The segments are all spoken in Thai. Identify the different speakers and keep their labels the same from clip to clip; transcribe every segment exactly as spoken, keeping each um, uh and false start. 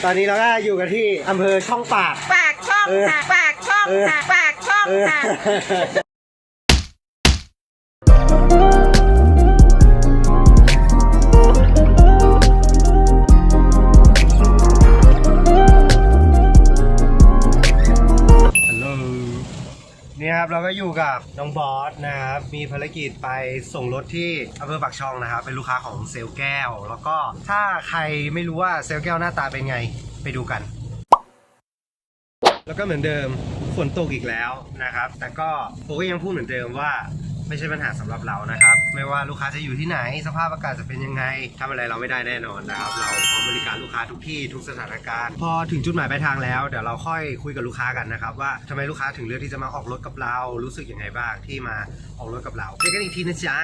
Speaker 1: ตอนนี้เราก็อยู่กันที่อำเภอช่องปาก
Speaker 2: ปากช่องค่ะปากช่องค่ะปากช่องค่ะ
Speaker 1: นี่ครับเราก็อยู่กับน้องบอสนะครับมีภารกิจไปส่งรถที่อำเภอปากช่องนะครับเป็นลูกค้าของเซลแก้วแล้วก็ถ้าใครไม่รู้ว่าเซลแก้วหน้าตาเป็นไงไปดูกันแล้วก็เหมือนเดิมฝนตกอีกแล้วนะครับแต่ก็ผมก็ยังพูดเหมือนเดิมว่าไม่ใช่ปัญหาสำหรับเรานะครับไม่ว่าลูกค้าจะอยู่ที่ไหนสภาพอากาศจะเป็นยังไงทำอะไรเราไม่ได้แน่นอนนะครับเราพร้อมบริการลูกค้าทุกที่ทุกสถานการณ์พอถึงจุดหมายปลายทางแล้วเดี๋ยวเราค่อยคุยกับลูกค้ากันนะครับว่าทำไมลูกค้าถึงเลือกที่จะมาออกรถกับเรารู้สึกยังไงบ้างที่มาออกรถกับเราเจอกันอีกทีนะจ๊ะ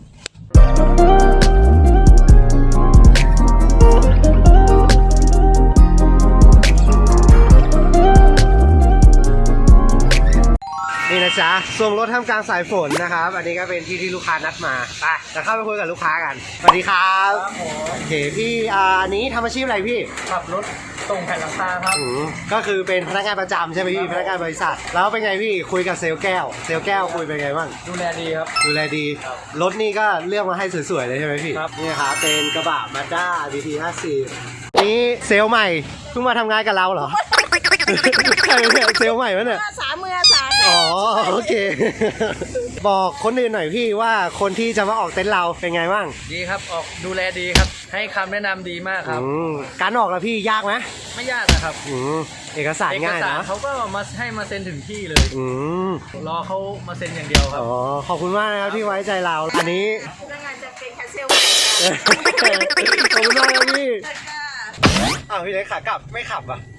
Speaker 1: นี่นะจ๊ะส่งรถท่ามกลางสายฝนนะครับอันนี้ก็เป็นที่ที่ลูกค้านัดมาไปจะเข้าไปคุยกับลูกค้ากันสวัสดีครับโอเคพี่อ่าอันนี้ทำอาชีพอะไรพี่
Speaker 3: ขับรถส่งแผ่นหลังคาครับ
Speaker 1: ก็คือเป็นพนักงานประจำใช่ไหมพี่พนักงานบริษัทแล้วเป็นไงพี่คุยกับเซลแก้วเซลแก้วคุยเป็นไงบ้าง
Speaker 3: ดูแลดีครับ
Speaker 1: ดูแลดีรถนี่ก็เลือกมาให้สวยๆเลยใช่ไหมพี่
Speaker 3: ครับ
Speaker 1: นี่ครับเป็นกระบะมาด้า บี ที ห้าสิบนี่เซลใหม่เพิ่งมาทำงานกับเราเหรอใช่ไหมเซลใหม่วะเนี่ย
Speaker 2: สามมือสาม
Speaker 1: อ๋อโอเคบอกคนอื่นหน่อยพี่ว่าคนที่จะมาออกเต็นท์เราเป็นไงบ้าง
Speaker 3: ดีครับออกดูแลดีครับให้คำแนะนำดีมากครับ
Speaker 1: การออกแล้วพี่ยากไหม
Speaker 3: ไม่ยากนะครับ
Speaker 1: เอกสารง่ายนะ
Speaker 3: เขาก็มาให้มาเซ็นถึงที่เลยรอเขามาเซ็นอย่างเดียวครับ
Speaker 1: อ๋อขอบคุณมากนะครับที่ไว้ใจเราอันนี้
Speaker 2: พนักงานจะเป็นแคสเซล
Speaker 1: ขอบคุณมากครับพี่อ้าวพี่เล็กขากลับไม่ขับอ่ะ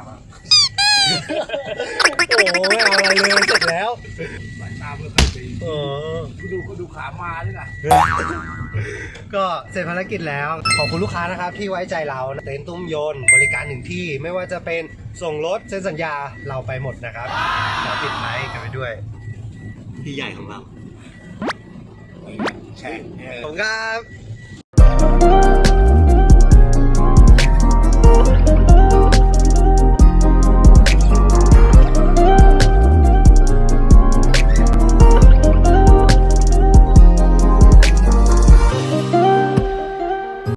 Speaker 1: โอ้ไม่เอาอะไรเลยเสร็จแล้ว
Speaker 3: สายตาเพื่อใครดี
Speaker 1: เออ
Speaker 3: ดูก็ดูขามาด้วยนะ
Speaker 1: ก็เสร็จภารกิจแล้วขอบคุณลูกค้านะครับที่ไว้ใจเราเต็นท์ตุ้มยนต์บริการถึงที่ไม่ว่าจะเป็นส่งรถเซ็นสัญญาเราไปหมดนะครับขอติดไลค์กันไปด้วยพี่ใหญ่ของเราแชร์ผมครับ